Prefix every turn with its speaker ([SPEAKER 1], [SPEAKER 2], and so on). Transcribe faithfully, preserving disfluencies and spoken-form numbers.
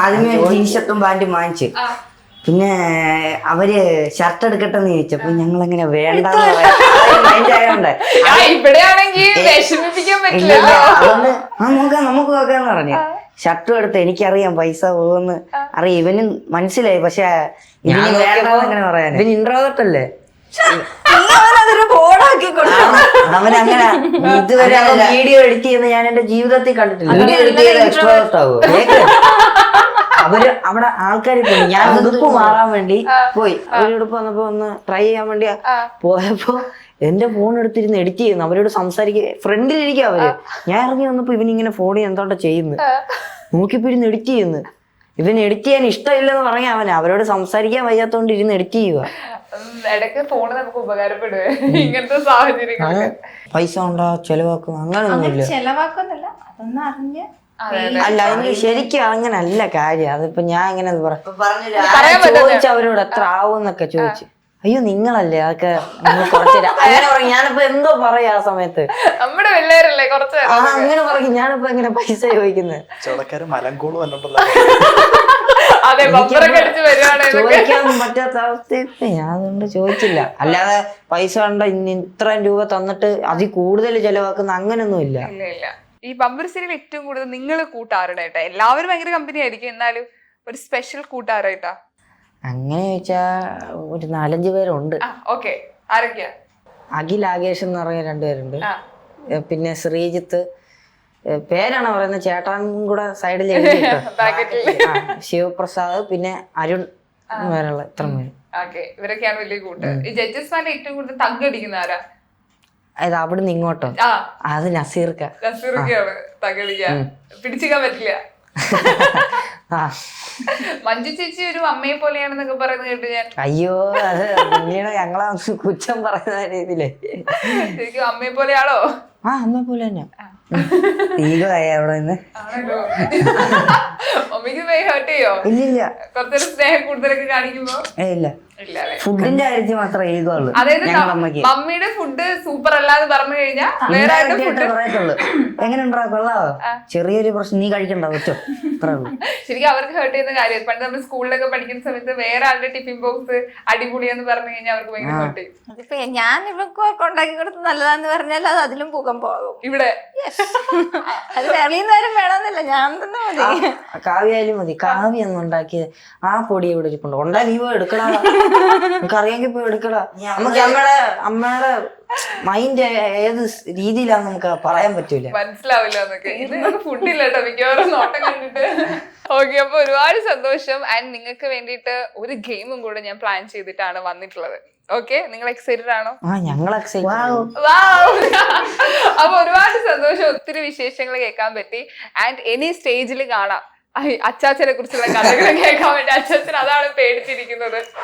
[SPEAKER 1] അതിന് ടീഷർട്ടും പാന്റും വാങ്ങിച്ചു. പിന്നെ അവര് ഷർട്ട് എടുക്കട്ടെന്ന് ചോദിച്ചപ്പോ ഞങ്ങൾ എങ്ങനെ വേണ്ടെന്ന് മൈൻഡായോണ്ട് അതുകൊണ്ട് ആ നോക്കാം നമുക്ക് നോക്കാന്ന് പറഞ്ഞു. ഷർട്ടും എടുത്ത് എനിക്കറിയാം പൈസ പോകുമെന്ന് അറിയാം, ഇവന് മനസ്സിലായി. പക്ഷെ ഇവന് വേണ്ടെന്ന് എങ്ങനെ പറയാൻ, ഇവന് ഇൻട്രോവേർട്ട് അല്ലേ, അവനങ്ങനെ ഇതുവരെ വീഡിയോ എഡിറ്റ് ചെയ്യുന്ന ഞാൻ എന്റെ ജീവിതത്തിൽ കണ്ടിട്ടില്ല. വീഡിയോ എഡിറ്റ് ചെയ്ത എക്സ്ട്രോവേർട്ട് ആവും. അവര് അവിടെ ആൾക്കാർ പോയി, ഞാൻ ഉടുപ്പ് മാറാൻ വേണ്ടി പോയി. അവര് ഉടുപ്പ് വന്നപ്പോ ഒന്ന് ട്രൈ ചെയ്യാൻ വേണ്ടി പോയപ്പോ എന്റെ ഫോൺ എടുത്തിരുന്ന് എഡിറ്റ് ചെയ്യുന്നു, അവരോട് സംസാരിക്കുക, ഫ്രണ്ടിലിരിക്കുക അവര്. ഞാൻ ഇറങ്ങി വന്നപ്പോ ഇവനിങ്ങനെ ഫോണിൽ എന്തോട്ടാ ചെയ്യുന്നു, നോക്കിപ്പോ ഇരുന്ന് എഡിറ്റ് ചെയ്യുന്നു. ഇവന് എഡിറ്റ് ചെയ്യാൻ ഇഷ്ടമില്ലെന്ന് പറയാൻ അവന്, അവരോട് സംസാരിക്കാൻ വയ്യാത്തോണ്ട് ഇരുന്ന് എഡിറ്റ് ചെയ്യുക. പൈസ ഉണ്ടാ ചെലവാക്കും അങ്ങനൊന്നുമില്ല. അല്ല അതിന് ശരിക്കും അങ്ങനല്ല കാര്യം. അതിപ്പോ ഞാൻ എങ്ങനെ ചോദിച്ചു അവരോട് എത്ര ആവും എന്നൊക്കെ ചോദിച്ചു. അയ്യോ നിങ്ങളല്ലേ അതൊക്കെ കുറച്ച് അങ്ങനെ പറയും. ഞാനിപ്പോ എന്തോ പറയാ ആ സമയത്ത്, ആ അങ്ങനെ പറയും. ഞാനിപ്പോ എങ്ങനെ പൈസ ചോദിക്കുന്നത്, ചോദിക്കാൻ പറ്റാത്ത അവസ്ഥ. ഞാൻ അതുകൊണ്ട് ചോദിച്ചില്ല. അല്ലാതെ പൈസ കണ്ട ഇത്രയും രൂപ തന്നിട്ട് അതിൽ കൂടുതൽ ചെലവാക്കുന്ന അങ്ങനൊന്നും ഇല്ല.
[SPEAKER 2] ഈ ബമ്പർ സീരിയൽ ഏറ്റവും കൂടുതൽ നിങ്ങൾ കൂട്ടാറുണ്ടായിട്ടാ? എല്ലാവരും ഭയങ്കര കമ്പനി ആയിരിക്കും, എന്നാലും ഒരു സ്പെഷ്യൽ കൂട്ടാറായിട്ടാ?
[SPEAKER 1] അങ്ങനെ ചോദിച്ചാ ഒരു നാലഞ്ച് പേരുണ്ട്.
[SPEAKER 2] ഓക്കെ, ആരൊക്കെയാ?
[SPEAKER 1] അഖിൽ ആകേഷ് എന്ന് പറഞ്ഞ രണ്ടുപേരുണ്ട്. പിന്നെ ശ്രീജിത്ത്, പേരാണ് പറയുന്നത്, ചേട്ടാനും കൂടെ സൈഡിൽ ശിവപ്രസാദ്, പിന്നെ അരുൺ വേറെയുള്ള ഇത്ര പേര്.
[SPEAKER 2] ഇവരൊക്കെയാണ് വലിയ കൂട്ട്. ഈ ജഡ്ജസ്മാരുടെ ഏറ്റവും കൂടുതൽ തగ్గടിക്കുന്ന ആരാ?
[SPEAKER 1] അത് അവിടുന്ന് ഇങ്ങോട്ടോ? അത് നസീർക്ക.
[SPEAKER 2] നസീർക്കാണ് തകടിക്ക, പിടിച്ചിക്കാൻ പറ്റില്ല. മഞ്ജു ചേച്ചി ഒരു അമ്മയെ പോലെയാണെന്നൊക്കെ പറയുന്നത് കേട്ട് ഞാൻ.
[SPEAKER 1] അയ്യോ അത് പിന്നീട് ഞങ്ങളെ കുറ്റം പറയുന്ന രീതിയിലേ.
[SPEAKER 2] ശരിക്കും അമ്മയെ പോലെയാണോ?
[SPEAKER 1] ആ അമ്മയെ പോലെ തന്നെ. അവിടെ നിന്ന്
[SPEAKER 2] മമ്മിക്ക് ഹേർട്ട് ചെയ്യോ?
[SPEAKER 1] ഇല്ലില്ല.
[SPEAKER 2] കുറച്ചൊരു സ്നേഹം കൂടുതലൊക്കെ കാണിക്കുമ്പോ
[SPEAKER 1] ഇല്ല, ഫുഡിന്റെ കാര്യത്തിൽ മാത്രമേ ഈഗോ ഉള്ളൂ.
[SPEAKER 2] അതായത് മമ്മിയുടെ ഫുഡ് സൂപ്പർ അല്ലാന്ന് പറഞ്ഞു കഴിഞ്ഞാൽ
[SPEAKER 1] പറയത്തുള്ളൂ. എങ്ങനെ ഉണ്ടാ കൊള്ളാവോ, ചെറിയൊരു പ്രശ്നം, നീ കഴിക്കണ്ട പറ്റോ,
[SPEAKER 2] ശരിക്കും അവർക്ക് ഹേർട്ട് ചെയ്യുന്ന കാര്യം. പണ്ട് നമ്മൾ സ്കൂളിലൊക്കെ പഠിക്കുന്ന സമയത്ത് വേറെ ആളുടെ ടിഫിൻ ബോക്സ് അടിപൊളിയെന്ന് പറഞ്ഞു കഴിഞ്ഞാൽ അവർക്ക് ഭയങ്കര ഹേർട്ട് ചെയ്യും.
[SPEAKER 3] ഞാൻ ഇവർക്ക് ഉണ്ടാക്കി കൊടുത്ത് നല്ലതാന്ന് പറഞ്ഞാൽ അത് അതിലും പൂക്കം പോകും.
[SPEAKER 2] ഇവിടെ
[SPEAKER 3] അത് വെളിയുന്നേരം വേണമെന്നില്ല, ഞാൻ തന്നെ മതി.
[SPEAKER 1] കാവ്യായാലും മതി. കാവ്യ ഒന്നും ഉണ്ടാക്കിയത് ആ പൊടി ഇവിടെ ഇരിപ്പുണ്ട്, ഉണ്ടാ നീ പോയി എടുക്കടാ, നമുക്ക് അറിയാമെങ്കിൽ പോയി എടുക്കടാ. നമുക്ക് അമ്മയുടെ അമ്മയുടെ മൈൻഡ് ഏത് രീതിയിലാന്ന് നമുക്ക് പറയാൻ പറ്റൂല,
[SPEAKER 2] മനസ്സിലാവില്ല എന്നൊക്കെ. ഇത് ഫുഡില്ല കേട്ടോ മിക്കവാറും നോട്ടം കണ്ടിട്ട്. ഓക്കെ, അപ്പൊ ഒരുപാട് സന്തോഷം. ആൻഡ് നിങ്ങൾക്ക് വേണ്ടിയിട്ട് ഒരു ഗെയിമും കൂടെ ഞാൻ പ്ലാൻ ചെയ്തിട്ടാണ് വന്നിട്ടുള്ളത്. ഓക്കെ, നിങ്ങൾ എക്സൈറ്റഡ് ആണോ?
[SPEAKER 1] ഞങ്ങൾ
[SPEAKER 2] അപ്പൊ ഒരുപാട് സന്തോഷം, ഒത്തിരി വിശേഷങ്ങൾ കേൾക്കാൻ പറ്റി. ആൻഡ് ഇനി സ്റ്റേജിൽ കാണാം അച്ചാച്ചനെ കുറിച്ചുള്ള കഥകൾ കേൾക്കാൻ വേണ്ടി. അച്ചാച്ചൻ അതാണ് പേടിച്ചിരിക്കുന്നത്.